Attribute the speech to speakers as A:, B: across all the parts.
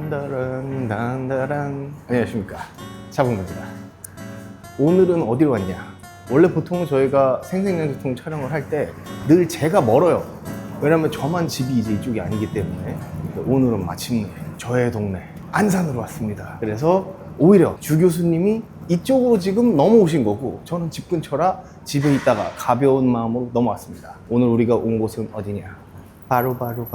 A: 단다란 단다란. 안녕하십니까, 차범근입니다. 오늘은 어디로 왔냐? 원래 보통 저희가 생생연소통 촬영을 할 때 늘 제가 멀어요. 왜냐면 저만 집이 이제 이쪽이 아니기 때문에. 오늘은 마침내 저의 동네 안산으로 왔습니다. 그래서 오히려 주 교수님이 이쪽으로 지금 넘어오신 거고, 저는 집 근처라 집에 있다가 가벼운 마음으로 넘어왔습니다. 오늘 우리가 온 곳은 어디냐? 바로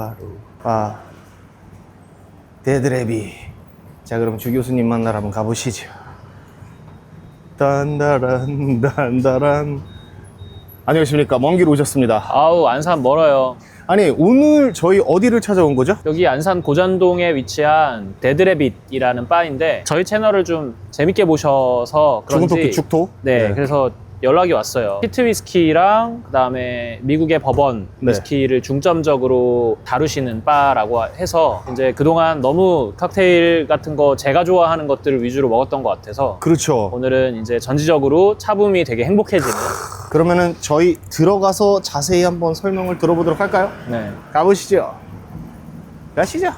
A: 데드레비. 자, 그럼 주 교수님 만나러 한번 가보시죠. 단다란 단다란. 안녕하십니까, 먼 길 오셨습니다.
B: 아우, 안산 멀어요.
A: 아니, 오늘 저희 어디를 찾아온 거죠?
B: 여기 안산 고잔동에 위치한 데드래빗이라는 바인데, 저희 채널을 좀 재밌게 보셔서
A: 죽은
B: 그런지
A: 토끼 죽토?
B: 네, 그래서 연락이 왔어요. 피트 위스키랑 그다음에 미국의 버번
A: 네.
B: 위스키를 중점적으로 다루시는 바라고 해서 이제 그동안 너무 칵테일 같은 거 제가 좋아하는 것들을 위주로 먹었던 것 같아서
A: 그렇죠.
B: 오늘은 이제 전지적으로 차붐이 되게 행복해지는.
A: 그러면은 저희 들어가서 자세히 한번 설명을 들어보도록 할까요?
B: 네.
A: 가보시죠. 가시죠.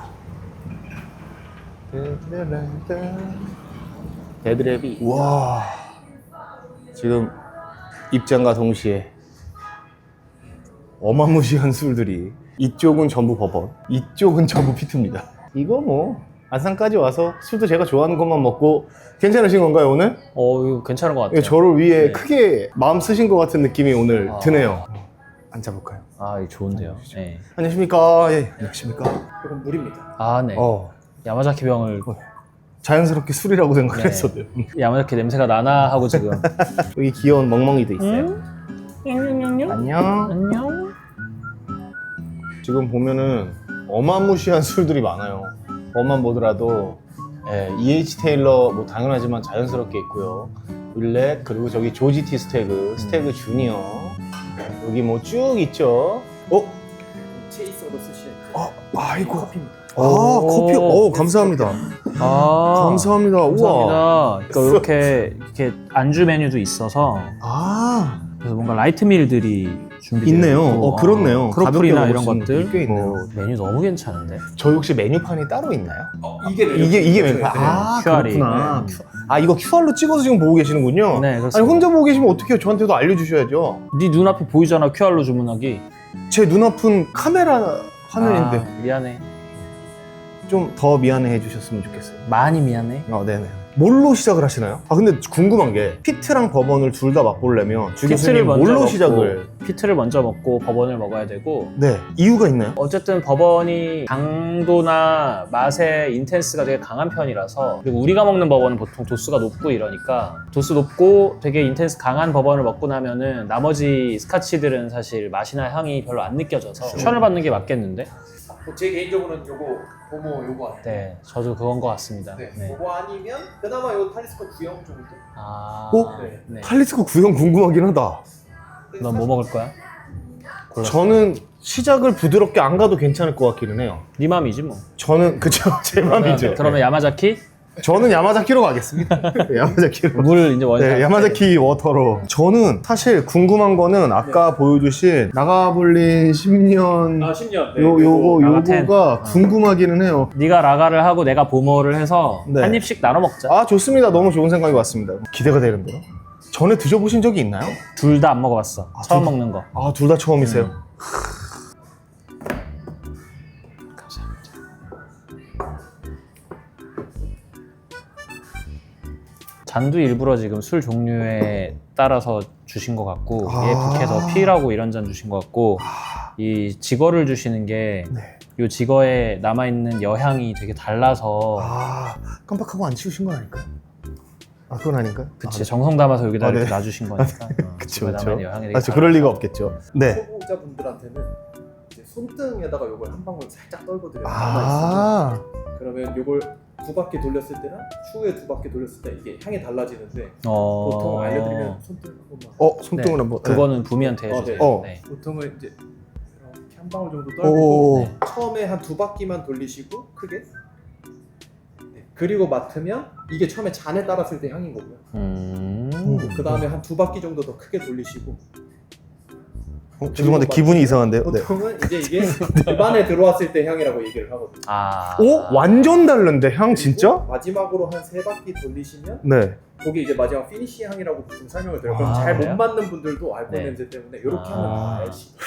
B: 데드래빗.
A: 우와, 지금 입장과 동시에 어마무시한 술들이, 이쪽은 전부 버번, 이쪽은 전부 피트입니다. 이거 뭐 안산까지 와서 술도 제가 좋아하는 것만 먹고 괜찮으신 건가요, 오늘?
B: 이거 괜찮은 것 같아요.
A: 저를 위해
B: 네.
A: 크게 마음 쓰신 것 같은 느낌이 오늘 드네요. 앉아볼까요?
B: 아, 이거 좋은데요. 네.
A: 안녕하십니까. 예, 안녕하십니까. 이건 물입니다.
B: 아, 네. 야마자키 병을
A: 자연스럽게 술이라고 생각을
B: 네.
A: 했어요.
B: 야마자키 냄새가 나나 하고 지금.
A: 여기 귀여운 멍멍이도 있어요. 안녕.
B: 안녕.
A: 지금 보면은 어마무시한 술들이 많아요. 뭐만 보더라도 EH 테일러 뭐 당연하지만 자연스럽게 있고요. 윌렛, 그리고 저기 조지티 스태그 주니어, 여기 뭐 쭉 있죠.
C: 체이서로 쓰실
A: 아이고.
C: 커피입니다.
A: 커피. 감사합니다. 감사합니다. 우와.
B: 감사합니다. 그러니까 이렇게 안주 메뉴도 있어서 그래서 뭔가 라이트 밀들이 준비되어
A: 있네요.
B: 있고,
A: 그렇네요.
B: 크로플이나
A: 가볍게
B: 이런
A: 먹을 수 있는
B: 것들
A: 게 있네요.
B: 메뉴 너무 괜찮은데.
A: 저희 혹시 메뉴판이 따로 있나요?
C: 이게
A: 메뉴판.
B: QR이.
A: 그렇구나. 이거 QR로 찍어서 지금 보고 계시는군요.
B: 네, 그렇습니다.
A: 아니, 혼자 보고 계시면 어떡해요? 저한테도 알려주셔야죠.
B: 네 눈앞에 보이잖아, QR로 주문하기.
A: 제 눈앞은 카메라 화면인데
B: 미안해.
A: 좀 더 미안해 해주셨으면 좋겠어요.
B: 많이 미안해.
A: 네네. 뭘로 시작을 하시나요? 근데 궁금한 게, 피트랑 버번을 둘 다 맛보려면 주 교수님 뭘로 시작을?
B: 피트를 먼저 먹고 버번을 먹어야 되고,
A: 네, 이유가 있나요?
B: 어쨌든 버번이 강도나 맛의 인텐스가 되게 강한 편이라서, 그리고 우리가 먹는 버번은 보통 도수가 높고 이러니까, 도수 높고 되게 인텐스 강한 버번을 먹고 나면은 나머지 스카치들은 사실 맛이나 향이 별로 안 느껴져서 추천을 받는 게 맞겠는데?
C: 제 개인적으로는 요거 보모 요거 같아요.
B: 네, 저도 그건 것 같습니다.
C: 네.
B: 네.
C: 요거 아니면 그나마 요 탈리스코 구형 정도.
A: 네.
C: 네.
A: 칼리스코 구형 궁금하긴 하다.
B: 넌 뭐 먹을 거야? 골랐어.
A: 저는 시작을 부드럽게 안 가도 괜찮을 것 같기는 해요.
B: 네 맘이지 뭐.
A: 저는 그쵸, 제 맘이죠.
B: 그러면 야마자키?
A: 저는 야마자키로 가겠습니다. 야마자키로.
B: 물 이제 원샷.
A: 네, 야마자키 워터로. 저는 사실 궁금한 거는 아까 보여주신 나가볼린 10년
C: 10년.
A: 요거가 궁금하기는 해요.
B: 네가 라가를 하고 내가 보모를 해서
A: 네.
B: 한 입씩 나눠 먹자.
A: 좋습니다. 너무 좋은 생각이 왔습니다. 기대가 되는데요. 전에 드셔보신 적이 있나요?
B: 둘 다 안 먹어봤어. 처음 먹는 거.
A: 둘 다 처음이세요?
B: 잔도 일부러 지금 술 종류에 따라서 주신 것 같고, 얘 북해서 필하고 이런 잔 주신 것 같고, 이 지거를 주시는 게 이
A: 네.
B: 지거에 남아있는 여향이 되게 달라서.
A: 깜빡하고 안 치우신 건 아닐까요? 그건 아닌가요?
B: 그치, 정성 담아서 여기다
A: 네.
B: 이렇게 놔주신 거니까.
A: 그쵸,
B: 지거에 남아있는 여향이 되게
A: 그쵸. 그럴 리가 없겠죠. 네.
C: 초보자분들한테는 이제 손등에다가 요걸 한 방울 살짝 떨궈드려요. 남아있으면. 그러면 요걸 2바퀴 돌렸을 때랑 추후에 2바퀴 돌렸을 때 이게 향이 달라지는데, 보통 알려드리면 손등 한 번만.
A: 손등을
B: 네,
A: 한번.
B: 그거는 부미한테 해주세요.
A: 네.
B: 네.
C: 보통은 이제 이렇게 한 방울 정도
A: 오.
C: 떨고
B: 네.
C: 처음에 한 2바퀴만 돌리시고 크게. 네. 그리고 맡으면 이게 처음에 잔에 따랐을 때 향인 거고요. 그 다음에 한 2바퀴 정도 더 크게 돌리시고
A: 죄송한데 기분이 이상한데요. 네.
C: 보통은 이제 이게 입안에 들어왔을 때 향이라고 얘기를 하거든요.
A: 오 완전 다른데 향 진짜?
C: 마지막으로 한 3바퀴 돌리시면
A: 네.
C: 그게 이제 마지막 피니시 향이라고 보통 설명을 드려요. 그럼
B: 아,
C: 잘 못
B: 그래요?
C: 맞는 분들도 알코올
B: 네.
C: 냄새 때문에 이렇게 하면 알시고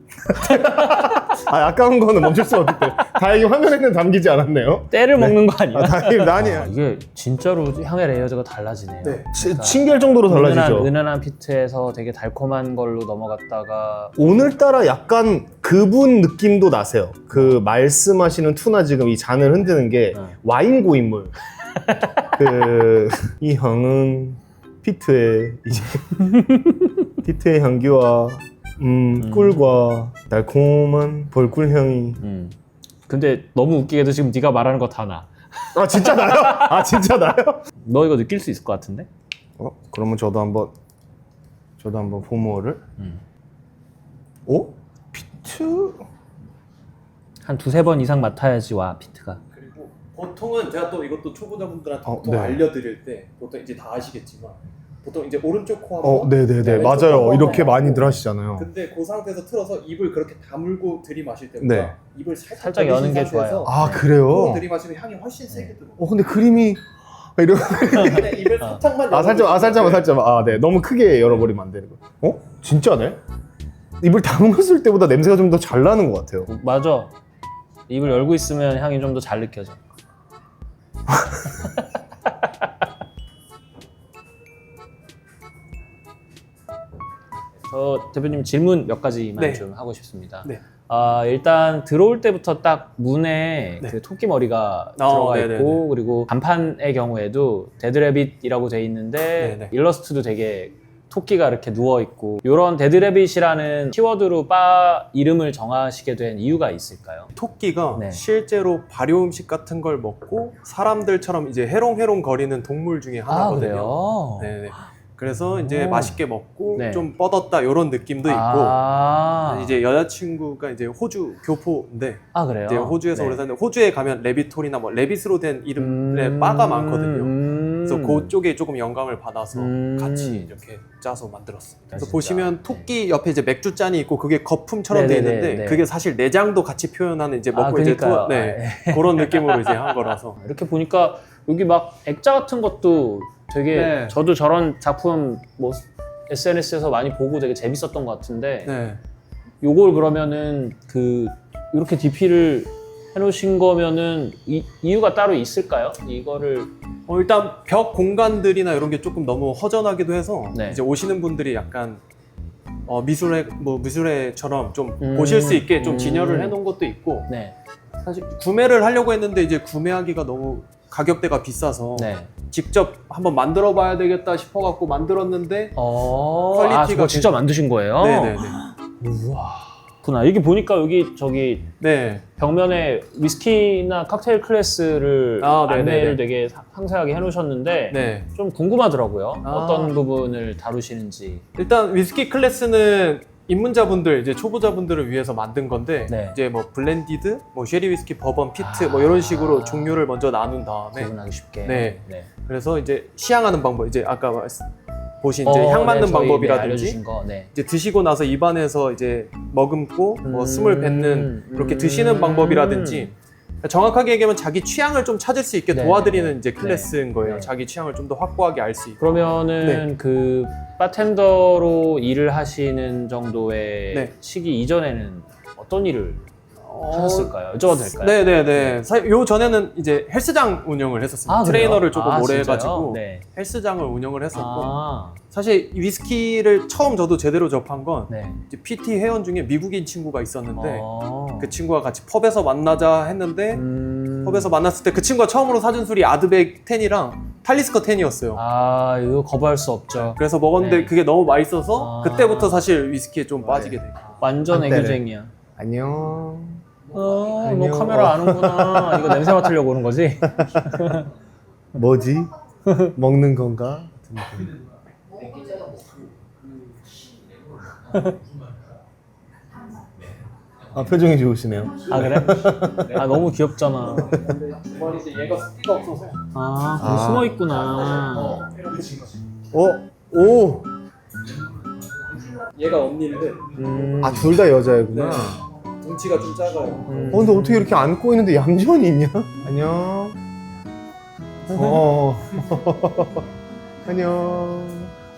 A: 아 아까운 거는 멈출 수 없기 때문에 다행히 화면에는 담기지 않았네요.
B: 때를 먹는 거 아니야?
A: 다행히 아니에요.
B: 이게 진짜로 향의 레이어드가 달라지네요.
C: 네.
A: 신기할 정도로 달라지죠.
B: 은은한 피트에서 되게 달콤한 걸로 넘어갔다가
A: 오늘따라 약간 그분 느낌도 나세요. 그 말씀하시는 투나 지금 이 잔을 흔드는 게 와인 고인물. 이 향은 피트의 이제 피트의 향기와 꿀과 달콤한 벌꿀 향이.
B: 근데 너무 웃기게도 지금 네가 말하는 거 다 나.
A: 아 진짜 나요? 아 진짜 나요?
B: 너 이거 느낄 수 있을 것 같은데?
A: 그러면 저도 한번 포모를. 오? 피트?
B: 한 2-3번 이상 맡아야지 와 피트가.
C: 그리고 보통은 제가 또 이것도 초보자분들한테 보통
A: 네.
C: 알려드릴 때 보통 이제 다 아시겠지만 보통 이제 오른쪽 코 한번
A: 네네네
C: 왼쪽
A: 맞아요.
C: 코
A: 이렇게
C: 한번
A: 많이들
C: 하고.
A: 하시잖아요.
C: 근데 그 상태에서 틀어서 입을 그렇게 다물고 들이마실 때보다
A: 네.
C: 입을 살짝,
B: 살짝 여는 게
C: 벌리신
B: 좋아요.
A: 아
C: 상태에서
A: 그래요?
C: 코로 들이마시면 향이 훨씬 세게 들어.
A: 근데 그림이 이런.
C: 근데 입을 살짝만
A: 살짝. 네. 너무 크게 열어버리면 안 되는 거. 진짜네? 입을 담갔을 때보다 냄새가 좀 더 잘 나는 것 같아요.
B: 맞아. 입을 열고 있으면 향이 좀 더 잘 느껴져. 저 대표님 질문 몇 가지만
C: 네.
B: 좀 하고 싶습니다.
C: 네.
B: 일단 들어올 때부터 딱 문에
C: 네.
B: 그 토끼 머리가 들어가
C: 네네네.
B: 있고 그리고 간판의 경우에도 데드래빗이라고 돼 있는데
C: 네네.
B: 일러스트도 되게 토끼가 이렇게 누워 있고 이런 데드래빗이라는 키워드로 바 이름을 정하시게 된 이유가 있을까요?
C: 토끼가
B: 네.
C: 실제로 발효 음식 같은 걸 먹고 사람들처럼 이제 해롱해롱 거리는 동물 중에 하나거든요.
B: 그래요?
C: 네네. 그래서 이제
B: 오.
C: 맛있게 먹고
B: 네.
C: 좀 뻗었다 이런 느낌도 있고 이제 여자친구가 이제 호주 교포인데
B: 그래요?
C: 이제 호주에서
B: 네.
C: 오래 사는데 호주에 가면 레빗홀이나 뭐 레빗으로 된 이름의 바가 많거든요. 그래서 그쪽에 조금 영감을 받아서 같이 이렇게 짜서 만들었습니다. 그래서
B: 진짜.
C: 보시면 토끼 옆에 이제 맥주 잔이 있고 그게 거품처럼 돼
B: 네네네,
C: 있는데
B: 네.
C: 그게 사실 내장도 같이 표현하는 이제 먹고 이제
B: 그러니까요.
C: 그런 느낌으로 이제 한 거라서
B: 이렇게 보니까 여기 막 액자 같은 것도 되게
C: 네.
B: 저도 저런 작품 뭐 SNS에서 많이 보고 되게 재밌었던 것 같은데
C: 네.
B: 요걸 그러면은 그 이렇게 DP를 해놓으신 거면은 이유가 따로 있을까요? 이거를
C: 일단 벽 공간들이나 이런 게 조금 너무 허전하기도 해서
B: 네.
C: 이제 오시는 분들이 약간 미술회처럼 좀 보실 수 있게 좀 진열을 해놓은 것도 있고
B: 네.
C: 사실 구매를 하려고 했는데 이제 구매하기가 너무 가격대가 비싸서
B: 네.
C: 직접 한번 만들어 봐야 되겠다 싶어 갖고 만들었는데
B: 퀄리티가
C: 퀄리티가
B: 직접 만드신 거예요?
C: 네네네.
B: 우와. 구나. 여기 보니까 여기 저기
C: 네.
B: 벽면에 위스키나 칵테일 클래스를
C: 네네네.
B: 안내를 되게 상세하게 해놓으셨는데
C: 네.
B: 좀 궁금하더라고요.
C: 아.
B: 어떤 부분을 다루시는지.
C: 일단 위스키 클래스는 입문자분들 이제 초보자분들을 위해서 만든 건데
B: 네.
C: 이제 뭐 블렌디드, 뭐 쉐리 위스키, 버번, 피트 뭐 이런 식으로 종류를 먼저 나눈 다음에
B: 구분하기 쉽게.
C: 네. 그래서 이제 시향하는 방법 이제 아까 보신 이제 향
B: 네,
C: 맡는
B: 저희,
C: 방법이라든지
B: 알려주신 거. 네.
C: 이제 드시고 나서 입안에서 이제 머금고 뭐 숨을 뱉는 이렇게 드시는 방법이라든지 정확하게 얘기하면 자기 취향을 좀 찾을 수 있게
B: 네,
C: 도와드리는
B: 네,
C: 이제 클래스인 거예요.
B: 네.
C: 자기 취향을 좀 더 확고하게 알 수 있고.
B: 그러면은 그 바텐더로 일을 하시는 정도의
C: 네.
B: 시기 이전에는 어떤 일을 하셨을까요? 여쭤봐도 될까요?
C: 네네네. 요 전에는 이제 헬스장 운영을 했었습니다. 트레이너를 조금 오래
B: 진짜요?
C: 해가지고
B: 네.
C: 헬스장을 운영을 했었고
B: 아,
C: 사실 위스키를 처음 저도 제대로 접한 건
B: 네.
C: 이제 PT 회원 중에 미국인 친구가 있었는데
B: 어.
C: 그 친구가 같이 펍에서 만나자 했는데 펍에서 만났을 때 그 친구가 처음으로 사준 술이 아드백 10이랑 탈리스커 10이었어요.
B: 아, 이거 거부할 수 없죠.
C: 그래서 먹었는데
B: 네.
C: 그게 너무 맛있어서
B: 아.
C: 그때부터 사실 위스키에 좀 빠지게 돼요.
B: 완전
A: 한때는.
B: 애교쟁이야.
A: 안녕.
B: 너
A: 안녕.
B: 카메라 아는구나. 이거 냄새 맡으려고 오는 거지?
A: 뭐지? 먹는 건가? 표정이 좋으시네요.
B: 아, 그래? 아, 너무 귀엽잖아.
C: 주머니 이제 얘가 습기가 없어서
B: 아, 거기 숨어 있구나.
A: 오!
C: 얘가 언니인데
A: 아, 둘 다 여자애구나.
C: 네. 덩치가 좀 작아요.
A: 근데 어떻게 이렇게 안고 있는데 얌전히 있냐? 안녕. 안녕.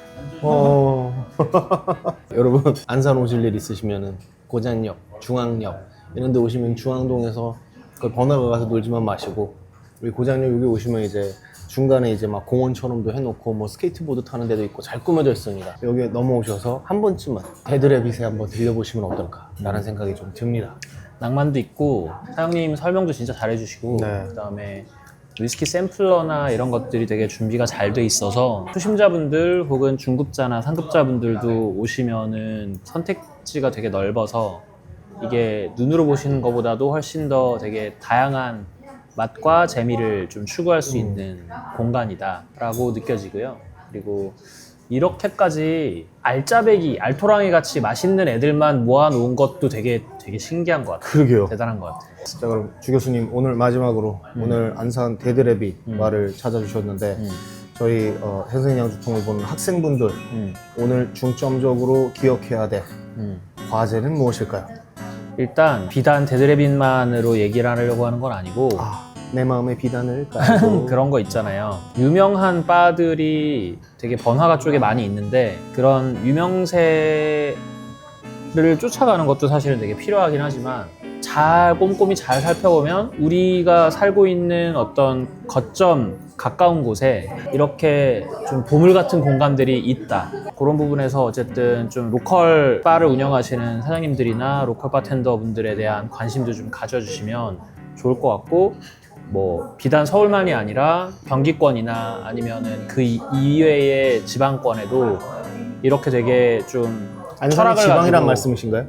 A: 여러분, 안산 오실 일 있으시면은 고잔역, 중앙역 이런 데 오시면 중앙동에서 그 번화가 가서 놀지만 마시고, 우리 고잔역 여기 오시면 이제 중간에 이제 막 공원처럼도 해놓고 뭐 스케이트보드 타는 데도 있고 잘 꾸며져 있습니다. 여기 넘어오셔서 한 번쯤은 데드래빗에 한번 들려보시면 어떨까 라는 생각이 좀 듭니다.
B: 낭만도 있고 사장님 설명도 진짜 잘해주시고
A: 네.
B: 그다음에 위스키 샘플러나 이런 것들이 되게 준비가 잘 돼 있어서 초심자분들 혹은 중급자나 상급자분들도 오시면은 선택지가 되게 넓어서 이게 눈으로 보시는 것보다도 훨씬 더 되게 다양한 맛과 재미를 좀 추구할 수 있는 공간이다라고 느껴지고요. 그리고 이렇게까지 알짜배기, 알토랑이 같이 맛있는 애들만 모아놓은 것도 되게 신기한 것 같아요.
A: 그러게요.
B: 대단한 것 같아요.
A: 자, 그럼 주 교수님 오늘 마지막으로 오늘 안산 데드래빗 바를 찾아주셨는데 저희 생생양주통을 보는 학생분들 오늘 중점적으로 기억해야 될 과제는 무엇일까요?
B: 일단 비단 데드래빗만으로 얘기를 하려고 하는 건 아니고
A: 내 마음의 비단을 깔고
B: 그런 거 있잖아요. 유명한 바들이 되게 번화가 쪽에 많이 있는데 그런 유명세를 쫓아가는 것도 사실은 되게 필요하긴 하지만 꼼꼼히 잘 살펴보면 우리가 살고 있는 어떤 거점 가까운 곳에 이렇게 좀 보물 같은 공간들이 있다. 그런 부분에서 어쨌든 좀 로컬 바를 운영하시는 사장님들이나 로컬 바텐더 분들에 대한 관심도 좀 가져주시면 좋을 것 같고, 뭐 비단 서울만이 아니라 경기권이나 아니면은 그 이외의 지방권에도 이렇게 되게 좀
A: 안산이
B: 철학을
A: 지방이란
B: 가지고
A: 말씀이신가요?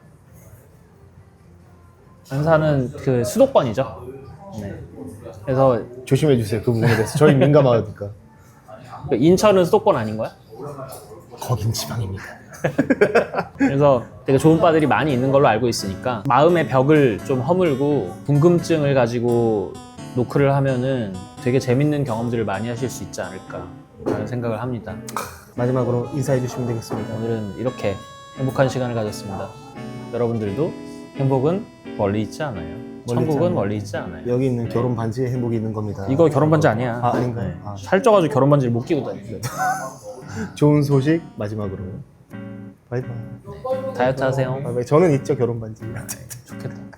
B: 안산은 그 수도권이죠. 네. 그래서
A: 조심해 주세요. 그 부분에 대해서 저희 민감하니까.
B: 인천은 수도권 아닌 거야?
A: 거긴 지방입니다.
B: 그래서 되게 좋은 바들이 많이 있는 걸로 알고 있으니까 마음의 벽을 좀 허물고 궁금증을 가지고 노크를 하면은 되게 재밌는 경험들을 많이 하실 수 있지 않을까 라는 생각을 합니다.
A: 마지막으로 인사해 주시면 되겠습니다.
B: 오늘은 이렇게 행복한 시간을 가졌습니다. 여러분들도 행복은 멀리 있지 않아요. 천국은
A: 않아요.
B: 멀리 있지 않아요.
A: 여기 있는 결혼 반지에 행복이 있는 겁니다.
B: 이거 결혼 반지 아니야.
A: 아, 아닌가요?
B: 네.
A: 아.
B: 살쪄가지고 결혼 반지를 못 끼고 다녀.
A: 좋은 소식 마지막으로. 바이바이.
B: 다이어트 하세요.
A: 바이바이. 저는 있죠, 결혼 반지.
B: 좋겠다.